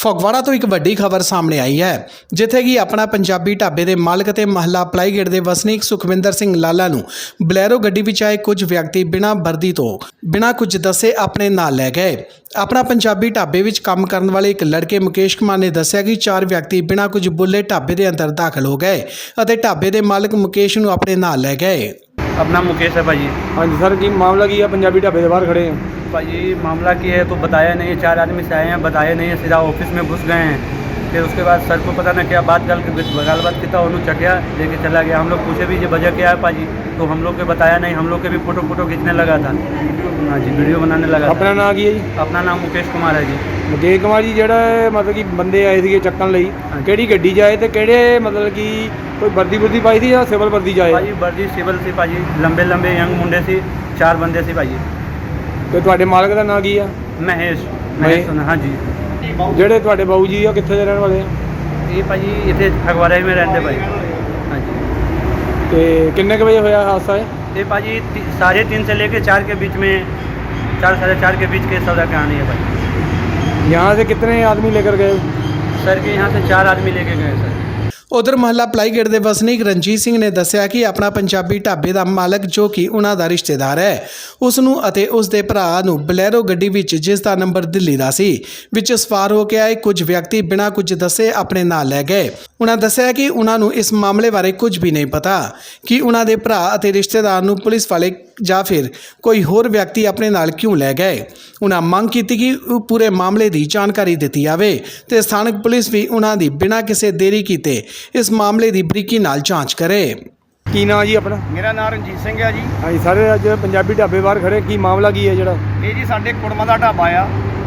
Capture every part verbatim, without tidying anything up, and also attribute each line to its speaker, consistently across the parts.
Speaker 1: ਫਗਵਾੜਾ ਤੋਂ ਇੱਕ ਵੱਡੀ ਖਬਰ ਸਾਹਮਣੇ ਆਈ ਹੈ, ਜਿੱਥੇ ਕਿ ਆਪਣਾ ਪੰਜਾਬੀ ਢਾਬੇ ਦੇ ਮਾਲਕ ਤੇ ਮਹੱਲਾ ਪਲਾਈਗੇਟ ਦੇ ਵਸਨੀਕ ਸੁਖਵਿੰਦਰ ਸਿੰਘ ਲਾਲਾ ਨੂੰ ਬਲੈਰੋ ਗੱਡੀ ਵਿੱਚ ਆਏ ਕੁਝ ਵਿਅਕਤੀ ਬਿਨਾਂ ਵਰਦੀ ਤੋਂ ਬਿਨਾਂ ਕੁਝ ਦੱਸੇ ਆਪਣੇ ਨਾਲ ਲੈ ਗਏ। ਆਪਣਾ ਪੰਜਾਬੀ ਢਾਬੇ ਵਿੱਚ ਕੰਮ ਕਰਨ ਵਾਲੇ ਇੱਕ ਲੜਕੇ ਮੁਕੇਸ਼ ਕੁਮਾਰ ਨੇ ਦੱਸਿਆ ਕਿ ਚਾਰ ਵਿਅਕਤੀ ਬਿਨਾਂ ਕੁਝ ਬੋਲੇ ਢਾਬੇ ਦੇ ਅੰਦਰ ਦਾਖਲ ਹੋ ਗਏ ਅਤੇ ਢਾਬੇ ਦੇ ਮਾਲਕ ਮੁਕੇਸ਼ ਨੂੰ ਆਪਣੇ ਨਾਲ ਲੈ ਗਏ।
Speaker 2: अपना मुकेश है भाजी।
Speaker 3: हाँ जी सर, की मामला की है पंजाबी ढाबे के बाहर खड़े हैं
Speaker 2: भाजी मामला की है तो बताया नहीं है, चार आदमी से आए हैं, बताया नहीं है, सीधा ऑफिस में घुस गए हैं। फिर उसके बाद सर को पता ना क्या बात गल गाल बात किया, उन्होंने चकिया लेके चला गया। हम लोग पूछे भी ये वजह क्या है भाजी, तो हम लोग के बताया नहीं। हम लोग के भी फोटो फोटो खींचने लगा था। हाँ जी, वीडियो बनाने लगा।
Speaker 3: अपना नाम की है जी?
Speaker 2: अपना नाम मुकेश कुमार है जी।
Speaker 3: मुकेश कुमार जी, ਜਿਹੜਾ मतलब कि ਬੰਦੇ ਆਏ ਸੀਗੇ ਚੱਕਣ ਲਈ, ਕਿਹੜੀ ਗੱਡੀ ਜਾਏ ਤੇ ਕਿਹੜੇ ਮਤਲਬ ਕਿ ਕੋਈ ਵਰਦੀ ਵਰਦੀ ਪਾਈ ਸੀ ਜਾਂ ਸਿਵਲ ਵਰਦੀ ਜਾਏ?
Speaker 2: ਭਾਜੀ ਵਰਦੀ ਸਿਵਲ ਸੀ ਭਾਜੀ, ਲੰਬੇ ਲੰਬੇ ਯੰਗ ਮੁੰਡੇ ਸੀ, ਚਾਰ ਬੰਦੇ ਸੀ ਭਾਜੀ।
Speaker 3: ਤੇ ਤੁਹਾਡੇ ਮਾਲਕ ਦਾ ਨਾਮ ਕੀ ਆ?
Speaker 2: ਮਹੇਸ਼ ਮਹੇਸ਼ ਹਾਂ ਜੀ।
Speaker 3: ਜਿਹੜੇ ਤੁਹਾਡੇ ਬਾਊ ਜੀ ਆ ਕਿੱਥੇ ਦੇ ਰਹਿਣ ਵਾਲੇ ਆ?
Speaker 2: ਇਹ ਭਾਜੀ ਇੱਥੇ ਫਗਵਾੜਾ में रहते भाई। हाँ जी।
Speaker 3: ਤੇ ਕਿੰਨੇ ਕੁ ਵਜੇ ਹੋਇਆ ਹਾਦਸਾ ਹੈ?
Speaker 2: ये भाजी साढ़े तीन से लेके चार के बीच में, चार साढ़े चार के बीच के सौदा कहानी है भाई।
Speaker 3: यहाँ से कितने आदमी लेकर गए?
Speaker 2: सर के यहाँ से चार आदमी लेके गए सर।
Speaker 1: ਉਧਰ ਮਹੱਲਾ ਪਲਾਈਗੇਟ ਦੇ ਵਸਨੀਕ ਰਣਜੀਤ ਸਿੰਘ ਨੇ ਦੱਸਿਆ ਕਿ ਆਪਣਾ ਪੰਜਾਬੀ ਢਾਬੇ ਦਾ ਮਾਲਕ, ਜੋ ਕਿ ਉਹਨਾਂ ਦਾ ਰਿਸ਼ਤੇਦਾਰ ਹੈ, ਉਸ ਨੂੰ ਅਤੇ ਉਸ ਦੇ ਭਰਾ ਨੂੰ ਬਲੈਰੋ ਗੱਡੀ ਵਿੱਚ, ਜਿਸ ਦਾ ਨੰਬਰ ਦਿੱਲੀ ਦਾ ਸੀ, ਵਿੱਚ ਸਵਾਰ ਹੋ ਕੇ ਆਏ ਕੁਝ ਵਿਅਕਤੀ ਬਿਨਾਂ ਕੁਝ ਦੱਸੇ ਆਪਣੇ ਨਾਲ ਲੈ ਗਏ। ਉਹਨਾਂ ਦੱਸਿਆ ਕਿ ਉਹਨਾਂ ਨੂੰ ਇਸ ਮਾਮਲੇ ਬਾਰੇ ਕੁਝ ਵੀ ਨਹੀਂ ਪਤਾ ਕਿ ਉਹਨਾਂ ਦੇ ਭਰਾ ਅਤੇ ਰਿਸ਼ਤੇਦਾਰ ਨੂੰ ਪੁਲਿਸ ਵਾਲੇ ਜਾਂ ਫਿਰ ਕੋਈ ਹੋਰ ਵਿਅਕਤੀ ਆਪਣੇ ਨਾਲ ਕਿਉਂ ਲੈ ਗਏ। ਉਹਨਾਂ ਮੰਗ ਕੀਤੀ ਕਿ ਉਹ ਪੂਰੇ ਮਾਮਲੇ ਦੀ ਜਾਣਕਾਰੀ ਦਿੱਤੀ ਜਾਵੇ ਤੇ ਸਥਾਨਕ ਪੁਲਿਸ ਵੀ ਉਹਨਾਂ ਦੀ ਬਿਨਾਂ ਕਿਸੇ ਦੇਰੀ ਕੀਤੇ ਇਸ ਮਾਮਲੇ ਦੀ ਬਰੀਕੀ ਨਾਲ ਜਾਂਚ ਕਰੇ।
Speaker 3: ਕੀ ਨਾਂ ਜੀ ਆਪਣਾ?
Speaker 4: ਮੇਰਾ ਨਾਮ ਰਣਜੀਤ ਸਿੰਘ ਹੈ ਜੀ।
Speaker 3: ਹਾਂਜੀ ਸਰ, ਅੱਜ ਪੰਜਾਬੀ ਢਾਬੇ ਬਾਹਰ ਖੜੇ, ਕੀ ਮਾਮਲਾ ਕੀ ਹੈ ਜਿਹੜਾ?
Speaker 4: ਇਹ ਜੀ ਸਾਡੇ ਕੁੜਮਾਂ ਦਾ ਢਾਬਾ ਆ।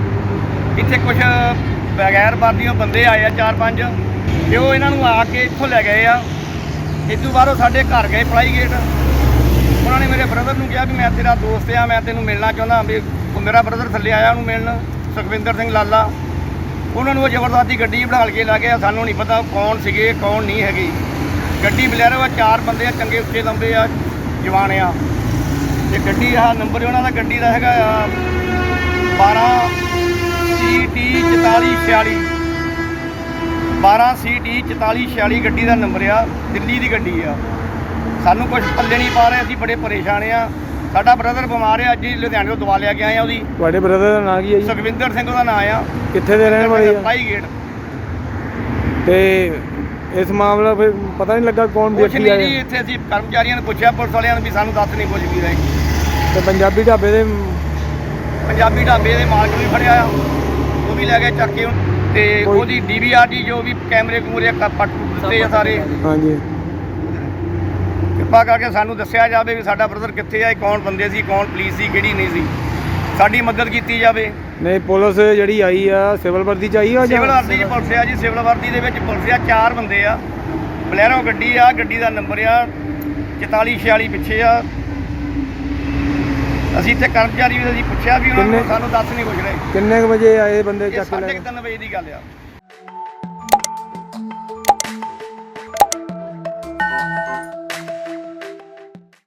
Speaker 4: ਇੱਥੇ ਕੁਝ ਬਗੈਰ ਵਰਦੀਆਂ ਬੰਦੇ ਆਏ ਆ, ਚਾਰ ਪੰਜ, ਤੇ ਉਹ ਇਹਨਾਂ ਨੂੰ ਆ ਕੇ ਇੱਥੋਂ ਲੈ ਗਏ ਆ। ਇਸ ਤੋਂ ਬਾਅਦ ਉਹ ਸਾਡੇ ਘਰ ਗਏ ਪਲਾਈਗੇਟ। ਉਹਨਾਂ ਨੇ ਮੇਰੇ ਬ੍ਰਦਰ ਨੂੰ ਕਿਹਾ ਵੀ ਮੈਂ ਤੇਰਾ ਦੋਸਤ ਆ, ਮੈਂ ਤੈਨੂੰ ਮਿਲਣਾ ਚਾਹੁੰਦਾ। ਵੀ ਮੇਰਾ ਬ੍ਰਦਰ ਥੱਲੇ ਆਇਆ ਉਹਨੂੰ ਮਿਲਣ, ਸੁਖਵਿੰਦਰ ਸਿੰਘ ਲਾਲਾ। ਉਹਨਾਂ ਨੂੰ ਉਹ ਜ਼ਬਰਦਸਤੀ ਗੱਡੀ ਬਿਠਾ ਕੇ ਲੈ ਗਏ। ਸਾਨੂੰ ਨਹੀਂ ਪਤਾ ਕੌਣ ਸੀਗੇ ਕੌਣ ਨਹੀਂ ਹੈਗੇ। ਗੱਡੀ ਬਲੈਰੋ ਆ, ਚਾਰ ਬੰਦੇ ਆ, ਚੰਗੇ ਉੱਚੇ ਲੰਬੇ ਆ, ਜਵਾਨ ਆ। ਤੇ ਗੱਡੀ ਆਹ ਨੰਬਰ ਉਹਨਾਂ ਦਾ ਗੱਡੀ ਦਾ ਹੈਗਾ ਆ ਬਾਰਾਂ ਸੀ ਟੀ ਚੁਤਾਲੀ ਛਿਆਲੀ, ਬਾਰਾਂ ਸੀ ਟੀ ਚੁਤਾਲੀ ਛਿਆਲੀ ਗੱਡੀ ਦਾ ਨੰਬਰ ਆ, ਦਿੱਲੀ ਦੀ ਗੱਡੀ ਆ। ਸਾਨੂੰ ਕੁਝ ਪੱਲੇ ਨਹੀਂ ਪਾ ਰਹੇ, ਅਸੀਂ ਬੜੇ ਪਰੇਸ਼ਾਨ ਆ। ਸਾਡਾ ਬ੍ਰਦਰ ਬਿਮਾਰ ਹੈ, ਅੱਜ ਹੀ ਲੁਧਿਆਣੇ ਤੋਂ ਦਵਾ ਲਿਆ ਕੇ ਆਏ ਆ ਉਹਦੀ।
Speaker 3: ਤੁਹਾਡੇ ਬ੍ਰਦਰ ਦਾ ਨਾਂ ਕੀ ਹੈ ਜੀ?
Speaker 4: ਸੁਖਵਿੰਦਰ ਸਿੰਘ ਉਹਦਾ ਨਾਂ ਆ।
Speaker 3: ਕਿੱਥੇ ਦੇ ਰਹਿਣ ਵਾਲੇ ਆ?
Speaker 4: ਪਲਾਈਗੇਟ।
Speaker 3: ਤੇ ਇਸ ਮਾਮਲਾ ਫਿਰ ਪਤਾ ਨਹੀਂ ਲੱਗਾ ਕੌਣ
Speaker 4: ਕੁਛ
Speaker 3: ਵਿਅਕਤੀ
Speaker 4: ਨਹੀਂ ਜੀ,
Speaker 3: ਆਏ?
Speaker 4: ਇੱਥੇ ਅਸੀਂ ਕਰਮਚਾਰੀਆਂ ਨੂੰ ਪੁੱਛਿਆ, ਪੁਲਿਸ ਵਾਲਿਆਂ ਨੂੰ, ਵੀ ਸਾਨੂੰ ਦੱਸ ਨਹੀਂ ਕੁਝ ਵੀ ਰਹੇ।
Speaker 3: ਤੇ ਪੰਜਾਬੀ ਢਾਬੇ ਦੇ
Speaker 4: ਪੰਜਾਬੀ ਢਾਬੇ ਦੇ ਮਾਲਕ ਵੀ ਫੜਿਆ ਆ, ਉਹ ਵੀ ਲੈ ਗਏ ਚੱਕ ਕੇ। ਤੇ ਉਹਦੀ ਡੀ ਵੀ ਆਰ ਡੀ ਜੋ ਵੀ ਕੈਮਰੇ ਕੂਮਰੇ ਪੱਟ ਦਿੱਤੇ ਆ ਸਾਰੇ।
Speaker 3: ਹਾਂਜੀ,
Speaker 4: ਕਿਰਪਾ ਕਰਕੇ ਸਾਨੂੰ ਦੱਸਿਆ ਜਾਵੇ ਵੀ ਸਾਡਾ ਬ੍ਰਦਰ ਕਿੱਥੇ ਆ, ਕੌਣ ਬੰਦੇ ਸੀ, ਕੌਣ ਪੁਲਿਸ ਸੀ, ਕਿਹੜੀ ਨਹੀਂ ਸੀ। ਸਾਡੀ ਮਦਦ ਕੀਤੀ ਜਾਵੇ।
Speaker 3: ਨਹੀਂ ਪੁਲਿਸ ਜਿਹੜੀ ਆਈ ਆ ਸਿਵਲ ਵਰਦੀ ਚ ਆਈ ਆ?
Speaker 4: ਸਿਵਲ ਵਰਦੀ 'ਚ ਪੁਲਿਸ ਆ ਜੀ, ਸਿਵਲ ਵਰਦੀ ਦੇ ਵਿੱਚ ਪੁਲਿਸ ਆ, ਚਾਰ ਬੰਦੇ ਆ। ਬਲੈਰੋ ਗੱਡੀ ਆ, ਗੱਡੀ ਦਾ ਨੰਬਰ ਆ ਚੁਤਾਲੀ ਛਿਆਲੀ ਪਿੱਛੇ ਆ। ਅਸੀਂ ਇੱਥੇ ਕਰਮਚਾਰੀ ਵੀ ਅਸੀਂ ਪੁੱਛਿਆ ਵੀ ਉਹਨਾਂ ਨੂੰ, ਸਾਨੂੰ ਦੱਸ ਨਹੀਂ ਕੁਝ ਰਹੇ।
Speaker 3: ਕਿੰਨੇ ਕੁ ਵਜੇ ਆਏ ਬੰਦੇ
Speaker 4: ਇਹ
Speaker 3: ਚੱਕ ਕੇ ਲੈ
Speaker 4: ਸਾਢੇ
Speaker 3: ਗਏ?
Speaker 4: ਕੁ ਤਿੰਨ ਵਜੇ ਦੀ ਗੱਲ ਆ।